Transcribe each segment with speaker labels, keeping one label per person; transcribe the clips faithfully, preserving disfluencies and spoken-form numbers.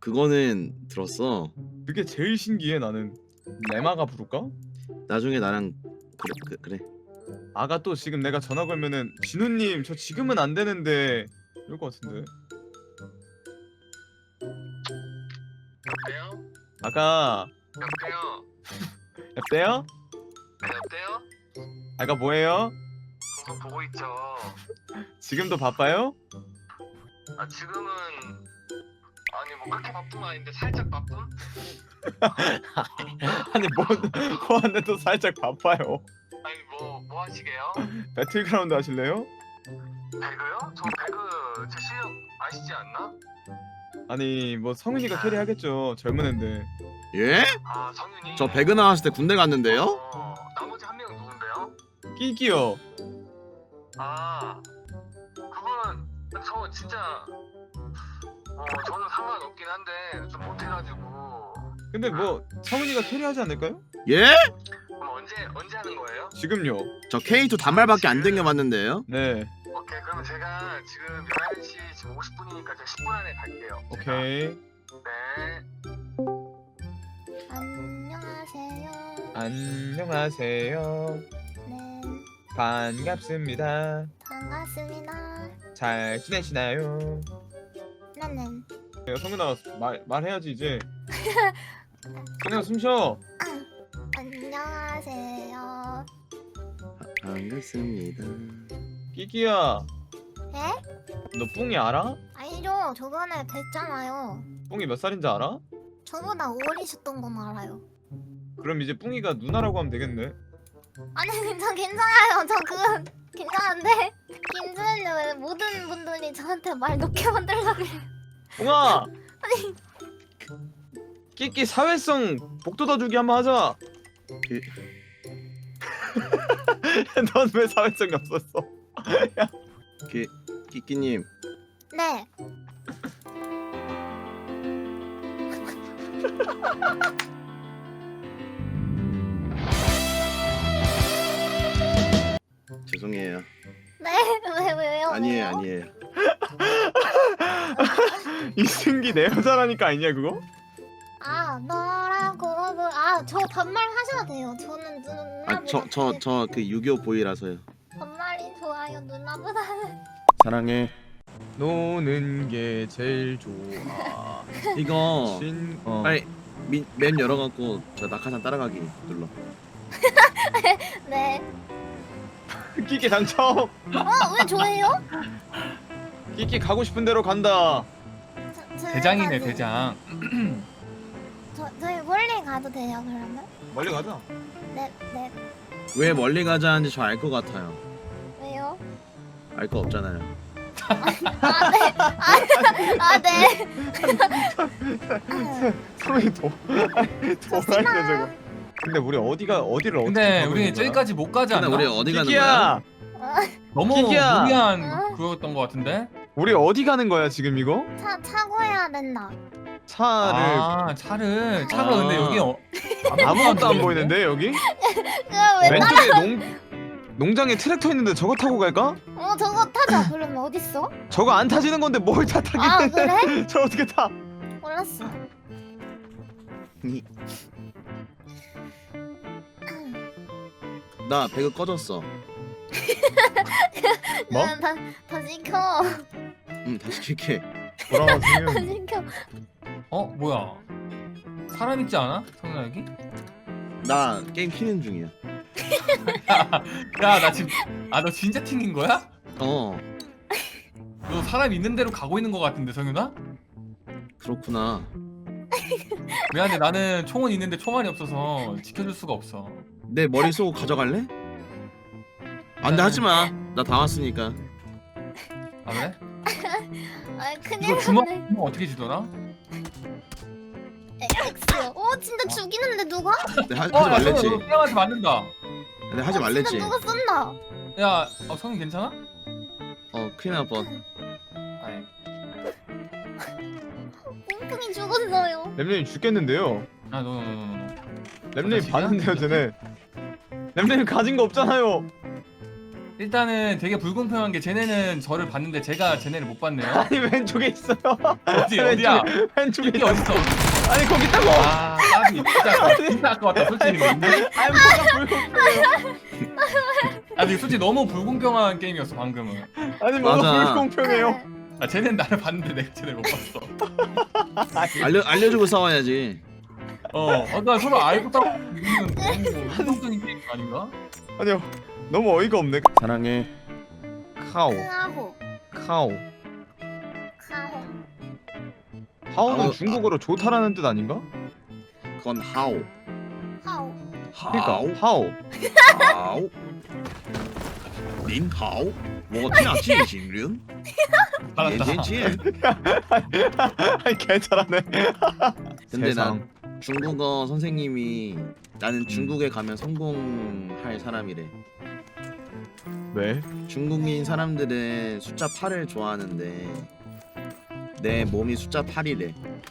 Speaker 1: 그거는 들었어.
Speaker 2: 그게 제일 신기해 나는. 레마가 부를까?
Speaker 1: 나중에 나랑 그래 그, 그래.
Speaker 2: 아가 또 지금 내가 전화 걸면은 진우님 저 지금은 안 되는데 이럴 것 같은데.
Speaker 3: 여보세요?
Speaker 2: 아가
Speaker 3: 여보세요?
Speaker 2: 여보세요?
Speaker 3: 네, 여보세요?
Speaker 2: 아가 뭐해요?
Speaker 3: 방송 보고 있죠.
Speaker 2: 지금도 바빠요?
Speaker 3: 아 지금은 아니 뭐 그렇게 바쁜 건 아닌데 살짝 바쁨?
Speaker 2: 아니 뭐 뭐하는데 또 살짝 바빠요.
Speaker 3: 아니 뭐 뭐 하시게요?
Speaker 2: 배틀그라운드 하실래요?
Speaker 3: 배그요? 저 배그 제 실력 아시지 않나?
Speaker 2: 아니 뭐 성윤이가 캐리하겠죠. 젊은 앤데.
Speaker 1: 예?
Speaker 3: 아 성윤이.
Speaker 1: 저 배그 나왔을 때 군대 갔는데요?
Speaker 3: 어, 나머지 한 명은 누군데요?
Speaker 2: 끼끼요.
Speaker 3: 아 그거는 저 진짜 어 저는 상관없긴 한데 좀 못해가지고.
Speaker 2: 근데 뭐 성윤이가 캐리하지 않을까요?
Speaker 1: 예?
Speaker 3: 그럼 언제 언제 하는 거예요?
Speaker 2: 지금요.
Speaker 1: 저 케이 투 단말밖에 안 댕겨봤는데요.
Speaker 2: 네.
Speaker 3: 오케이 그러면 제가 지금 열한 시 지금 오십 분이니까 제가 십 분 안에 갈게요. 제가.
Speaker 2: 오케이.
Speaker 3: 네.
Speaker 4: 안녕하세요.
Speaker 2: 안녕하세요.
Speaker 4: 네,
Speaker 2: 반갑습니다.
Speaker 4: 반갑습니다.
Speaker 2: 잘 지내시나요?
Speaker 4: 나는
Speaker 2: 야, 성윤아 말 말해야지 이제. 성윤아 숨 쉬어.
Speaker 4: 안녕하세요.
Speaker 1: 반갑습니다.
Speaker 2: 끼끼야.
Speaker 4: 에?
Speaker 2: 너 뿡이 알아?
Speaker 4: 아니죠. 저번에 뵀잖아요.
Speaker 2: 뿡이 몇 살인지 알아?
Speaker 4: 저보다 어리셨던 건 알아요.
Speaker 2: 그럼 이제 뿡이가 누나라고 하면 되겠네.
Speaker 4: 아니, 저 괜찮아요. 저 그건 괜찮은데 김수현님 왜 모든 분들이 저한테 말 높게 만들려고 그래요?
Speaker 2: 뿡아.
Speaker 4: 아니.
Speaker 2: 끼끼 사회성 복돋아주기 한번 하자.
Speaker 1: 그...
Speaker 2: 넌 왜 사회성이 없었어?
Speaker 1: 그 끼끼님
Speaker 4: 네.
Speaker 1: 죄송해요.
Speaker 4: 네? 왜 왜요?
Speaker 1: 아니에요
Speaker 4: 왜요?
Speaker 1: 아니에요.
Speaker 2: 이승기 내 여자라니까 아니냐 그거?
Speaker 4: 아 너라고 아저 반말 하셔도 돼요. 저는 누나보다
Speaker 1: 아저 저 저 그 유교 보이라서요.
Speaker 4: 반말이 좋아요. 누나보다는.
Speaker 1: 사랑해.
Speaker 2: 노는 게 제일 좋아.
Speaker 1: 이거
Speaker 2: 신 어.
Speaker 1: 빨리 미, 맵 열어갖고 저 낙하산 따라가기 눌러.
Speaker 4: 네.
Speaker 2: 끼끼 당첨.
Speaker 4: 어? 왜 저예요?
Speaker 2: 끼끼 가고 싶은 대로 간다.
Speaker 4: 저, 저
Speaker 5: 대장이네
Speaker 4: 가도-
Speaker 5: 대장.
Speaker 4: 저 저희 멀리 가도 돼요 그러면?
Speaker 2: 멀리 가자.
Speaker 4: 네 네.
Speaker 1: 왜 멀리 가자는지 저 알 것 같아요.
Speaker 4: 왜요?
Speaker 1: 알 거 없잖아요.
Speaker 4: 아 네. 아, 아 네.
Speaker 2: 성이 도 도라이야 저거. 근데 우리 어디가 어디를 어떻게
Speaker 5: 근데
Speaker 2: 가고
Speaker 5: 우리
Speaker 2: 있는 거야?
Speaker 5: 저기까지 못 가지
Speaker 1: 근데
Speaker 5: 않나?
Speaker 1: 우리 어디 가는
Speaker 2: 끼끼야.
Speaker 1: 거야?
Speaker 5: 너무
Speaker 2: 끼끼야.
Speaker 5: 무리한
Speaker 4: 어?
Speaker 5: 그거였던 것 같은데?
Speaker 2: 우리 어디 가는 거야 지금 이거?
Speaker 4: 차 차고 해야 된다.
Speaker 2: 차를
Speaker 5: 아 차를 차가
Speaker 2: 아.
Speaker 5: 근데 여기 어,
Speaker 2: 아무것도 안 보이는데 여기?
Speaker 4: 그왜
Speaker 2: 왼쪽에 농 농장에 트랙터 있는데 저거 타고 갈까?
Speaker 4: 어 저거 타자. 그러면 어딨어?
Speaker 2: 저거 안 타지는 건데 뭘 다 타긴
Speaker 4: 아
Speaker 2: 해.
Speaker 4: 그래?
Speaker 2: 저 어떻게 타?
Speaker 4: 몰랐어.
Speaker 1: 나 배그 꺼졌어.
Speaker 2: 뭐?
Speaker 4: 응, 다, 다 시켜.
Speaker 1: 응 다시 킬게.
Speaker 2: 돌아와
Speaker 4: 다
Speaker 2: 지금.
Speaker 4: 시켜.
Speaker 5: 어 뭐야? 사람 있지 않아? 성현아 여기?
Speaker 1: 나 게임 키는 중이야.
Speaker 5: 야 나 지금 아 너 진짜 튕긴 거야?
Speaker 1: 어
Speaker 5: 너 사람 있는 대로 가고 있는 것 같은데 성현아?
Speaker 1: 그렇구나.
Speaker 5: 미안해 나는 총은 있는데 총알이 없어서 지켜줄 수가 없어.
Speaker 1: 내 머리 쏘고 가져갈래? 안돼 하지마. 나 다 왔으니까.
Speaker 5: 아 그래?
Speaker 4: 아 큰일
Speaker 5: 이거 주먹
Speaker 4: 났네.
Speaker 5: 주먹 어떻게 지더라?
Speaker 4: X. 어 진짜 죽이는데 누가?
Speaker 1: 내 하, 하지
Speaker 5: 어, 야,
Speaker 1: 말랬지.
Speaker 5: 성현아, 너 태양한테 맞는다.
Speaker 1: 근데 하지
Speaker 4: 어,
Speaker 1: 말랬지.
Speaker 4: 진짜 누가 쏜다.
Speaker 5: 야, 어, 성현 괜찮아?
Speaker 1: 어 큰일 날 뻔.
Speaker 5: 아니,
Speaker 4: 뿡뿡이 죽었어요.
Speaker 2: 램램이 죽겠는데요.
Speaker 5: 아, 너, 너, 너, 너, 너.
Speaker 2: 램램이
Speaker 5: 자식이야?
Speaker 2: 봤는데요 쟤네. 램램이 가진 거 없잖아요.
Speaker 5: 일단은 되게 불공평한 게 쟤네는 저를 봤는데 제가 쟤네를 못 봤네요.
Speaker 2: 아니 왼쪽에 있어요.
Speaker 5: 어디 어디야?
Speaker 2: 왼쪽에
Speaker 5: 이게
Speaker 2: 있어.
Speaker 5: 어딨어?
Speaker 2: 아니 거기 있다고.
Speaker 5: 아 까비 진짜 진짜 아까웠다 솔직히. 근데
Speaker 2: 아니 뭐가 불공평해요.
Speaker 5: 아니 솔직히 너무 불공평한 게임이었어 방금은.
Speaker 2: 아니 뭐가
Speaker 1: 맞아.
Speaker 2: 불공평해요.
Speaker 5: 아 쟤네는 나를 봤는데 내가 쟤네를 못 봤어.
Speaker 1: 알려 알려주고 싸워야지.
Speaker 5: 어, 아까 서로 알고 따고 이거는 너무 한정적인 게임 아닌가?
Speaker 2: 아니요. 너무 어이가 없네.
Speaker 1: 사랑해.
Speaker 2: 카오.
Speaker 4: 크하호
Speaker 2: 카오.
Speaker 4: 카호
Speaker 2: 하오는
Speaker 1: 아,
Speaker 2: 중국어로 좋다라는 뜻 아닌가?
Speaker 1: 그건 하오.
Speaker 4: 하오
Speaker 2: 그러니까
Speaker 1: 하오.
Speaker 2: 하오.
Speaker 1: 하오. 닌 하오. 我听记行人
Speaker 5: 알았다.
Speaker 1: 眼前见
Speaker 2: 아니 괜찮네.
Speaker 1: 근데
Speaker 2: 세상.
Speaker 1: 난 중국어 선생님이 나는 중국에 가면 성공할 사람이래.
Speaker 2: 왜?
Speaker 1: 중국인 사람들은 숫자 팔을 좋아하는데 내 몸이 숫자 팔이래.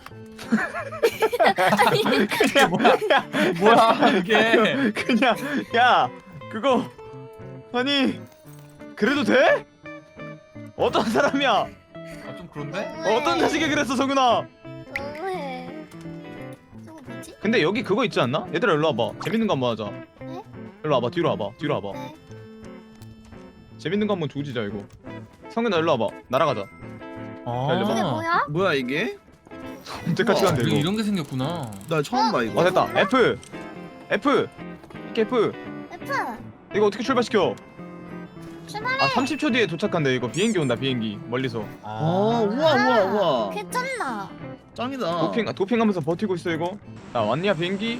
Speaker 5: 이게 뭐야? 뭐야 이게?
Speaker 2: 그냥 야 그거 아니 그래도 돼? 어떤 사람이야?
Speaker 5: 아, 좀 그런데?
Speaker 2: 어떤 자식이 그랬어 성윤아?
Speaker 4: 너무해 저거 뭐지?
Speaker 2: 근데 여기 그거 있지 않나? 얘들아 일로 와봐. 재밌는 거 한번 하자.
Speaker 4: 네?
Speaker 2: 일로 와봐. 뒤로 와봐. 뒤로 와봐.
Speaker 4: 네
Speaker 2: 재밌는 거 한번 조지자 이거. 성윤아 일로 와봐. 날아가자.
Speaker 5: 아,
Speaker 4: 이게 뭐야?
Speaker 1: 뭐야 이게?
Speaker 2: 언제까지
Speaker 1: 우와,
Speaker 2: 간대
Speaker 5: 이거
Speaker 2: 이거.
Speaker 5: 이런 게 생겼구나.
Speaker 1: 나 처음 봐 이거.
Speaker 2: 어 됐다. F. F. 이렇게 F.
Speaker 4: F
Speaker 2: 이거 어떻게 출발시켜?
Speaker 4: 출발해
Speaker 2: 아 삼십 초 뒤에 도착한대. 이거 비행기 온다. 비행기 멀리서.
Speaker 1: 어 우와 우와 우와.
Speaker 4: 개쩐다
Speaker 1: 짱이다.
Speaker 2: 도핑 도핑하면서 버티고 있어 이거. 나 왔냐 비행기?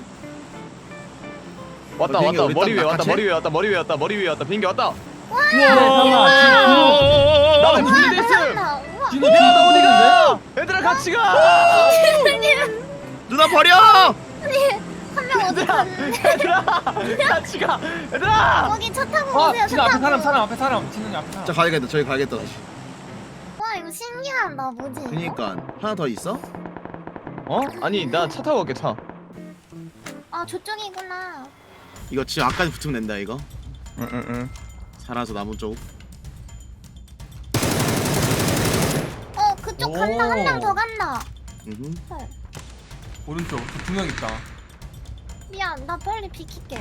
Speaker 2: 왔다
Speaker 1: 어, 비행기
Speaker 2: 왔다
Speaker 1: 우리
Speaker 2: 머리
Speaker 1: 딱
Speaker 2: 위에 왔다
Speaker 1: 낚아채?
Speaker 2: 머리 위에 왔다 머리 위에 왔다 머리 위에 왔다 비행기 왔다.
Speaker 5: 우와.
Speaker 2: 나는 준비됐음.
Speaker 4: 잘한다 우와
Speaker 5: 진호 진호 나 어디 갔는데?
Speaker 2: 얘들아 같이 가.
Speaker 1: 누나 버려!
Speaker 4: 한 명 어디 갔는데
Speaker 2: 얘들아 같이 가. 얘들아.
Speaker 4: 거기 차 타고
Speaker 5: 아
Speaker 4: 오세요
Speaker 5: 진호
Speaker 4: 차
Speaker 5: 앞에
Speaker 4: 타고
Speaker 5: 사람 사람 앞에 사람 진호이 앞에 사람.
Speaker 1: 자 가야겠다. 저기 가야겠다.
Speaker 4: 와 이거 신기하다 뭐지 이거?
Speaker 1: 그니까 하나 더 있어?
Speaker 2: 어? 아니 나 차 타고 갈게 차.
Speaker 4: 아 저쪽이구나
Speaker 1: 이거 지금 앞까지 붙으면 된다 이거.
Speaker 2: 응응응.
Speaker 1: 살아서 나무 쪽.
Speaker 4: 어 그쪽 간다 한 명 더 간다
Speaker 1: 음.
Speaker 4: 헐
Speaker 5: 오른쪽 두 명 있다.
Speaker 4: 미안 나 빨리 비킬게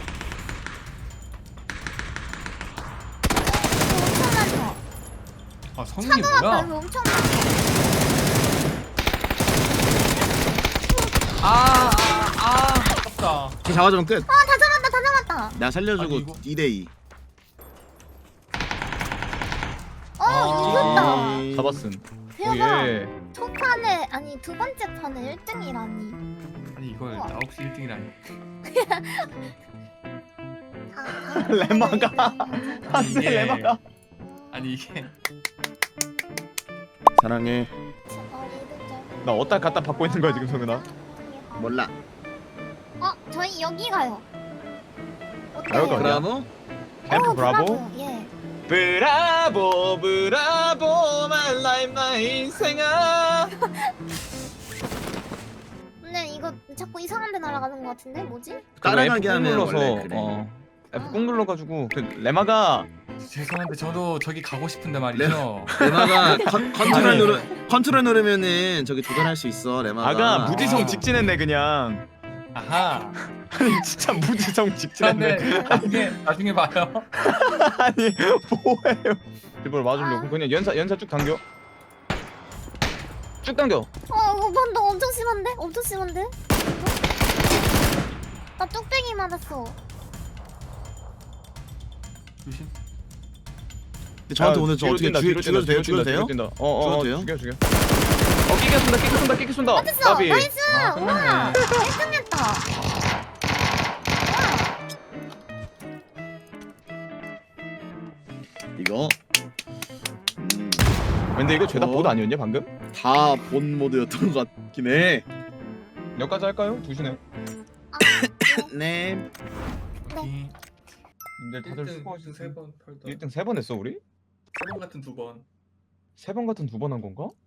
Speaker 4: 엄청 많다
Speaker 5: 아 성민이
Speaker 4: 차가 왔다
Speaker 5: 뭐야?
Speaker 4: 여기 엄청 많아
Speaker 5: 아아아 아깝다.
Speaker 1: 걔 잡아주면 끝.
Speaker 4: 아 다 잡았다 다 잡았다
Speaker 1: 나 살려주고
Speaker 5: 아니, 이거-
Speaker 1: 이 대 이.
Speaker 4: 어
Speaker 5: 아.
Speaker 4: 이겼다
Speaker 2: 잡았음.
Speaker 4: 대박
Speaker 2: 예.
Speaker 4: 첫 판에 아니 두 번째 판에 일 등이라니
Speaker 5: 아니 이걸
Speaker 4: 우와.
Speaker 5: 나 혹시 일 등이라니.
Speaker 2: 레마가. 안돼
Speaker 5: 이게-
Speaker 2: 레마가.
Speaker 5: 아니 이게
Speaker 1: 사랑해.
Speaker 2: 나 어디다 갖다 받고 있는 거야 지금 성윤아?
Speaker 1: 몰라.
Speaker 4: 어 저희 여기 가요
Speaker 2: 여기가
Speaker 4: 어때요?
Speaker 2: 어디야?
Speaker 1: 브라보?
Speaker 2: 캠프
Speaker 4: 어,
Speaker 2: 브라보?
Speaker 4: 예
Speaker 2: 브라보 브라보 my life my 인생아.
Speaker 4: 근데 이거 자꾸 이상한 데 날아가는 것 같은데 뭐지?
Speaker 1: 따라가게
Speaker 2: F 꾹
Speaker 1: 하면
Speaker 2: 눌러서
Speaker 1: 원래 그래.
Speaker 2: 어 F 꾹 눌러가지고 그 레마가
Speaker 5: 죄송한데 저도 저기 가고 싶은데 말이죠.
Speaker 1: 레마가 컨, 컨트롤
Speaker 2: 아니.
Speaker 1: 누르 컨트롤 누르면은 저기 조절할 수 있어 레마가.
Speaker 2: 아가 무지성
Speaker 5: 아.
Speaker 2: 직진했네 그냥.
Speaker 5: 아하.
Speaker 2: 아니 진짜 무지성 직진했네.
Speaker 5: 근데 나중에 나중에 봐요.
Speaker 2: 아니 뭐예요? 일부러 맞으려고 그냥 연사 연사 쭉 당겨. 쭉 당겨.
Speaker 4: 어 이거 반동 엄청 심한데? 엄청 심한데? 나 뚝배기 맞았어
Speaker 5: 조심.
Speaker 1: 근데 저한테
Speaker 2: 야,
Speaker 1: 오늘 저
Speaker 2: 뒤로
Speaker 1: 어떻게
Speaker 2: 뛴다,
Speaker 1: 죽여,
Speaker 2: 뒤로
Speaker 1: 죽여도
Speaker 2: 뛴다,
Speaker 1: 돼요?
Speaker 2: 뒤로
Speaker 1: 죽여도 돼요?
Speaker 2: 뛴다, 뒤로 뛴다. 어, 어, 어,
Speaker 1: 죽여도
Speaker 2: 죽여, 죽여. 어, 끼게 쏜다, 끼게 쏜다, 끼게 쏜다.
Speaker 4: 맞았어
Speaker 2: 까비.
Speaker 4: 나이스
Speaker 5: 아,
Speaker 4: 우와
Speaker 5: 끝났네.
Speaker 4: 일 등 했다
Speaker 1: 이거 음,
Speaker 2: 근데 이거 죄다
Speaker 1: 어?
Speaker 2: 봇 아니었냐 방금?
Speaker 1: 다 본 모드였던 것 같긴 해.
Speaker 2: 여기까지 할까요? 두시네.
Speaker 1: 네.
Speaker 5: 이
Speaker 2: 근데 다들 수고하셨어.
Speaker 5: 세번 털다.
Speaker 2: 일 등 세 번 했어 우리?
Speaker 5: 세번 같은 두 번.
Speaker 2: 세 번 같은 두 번 한 건가?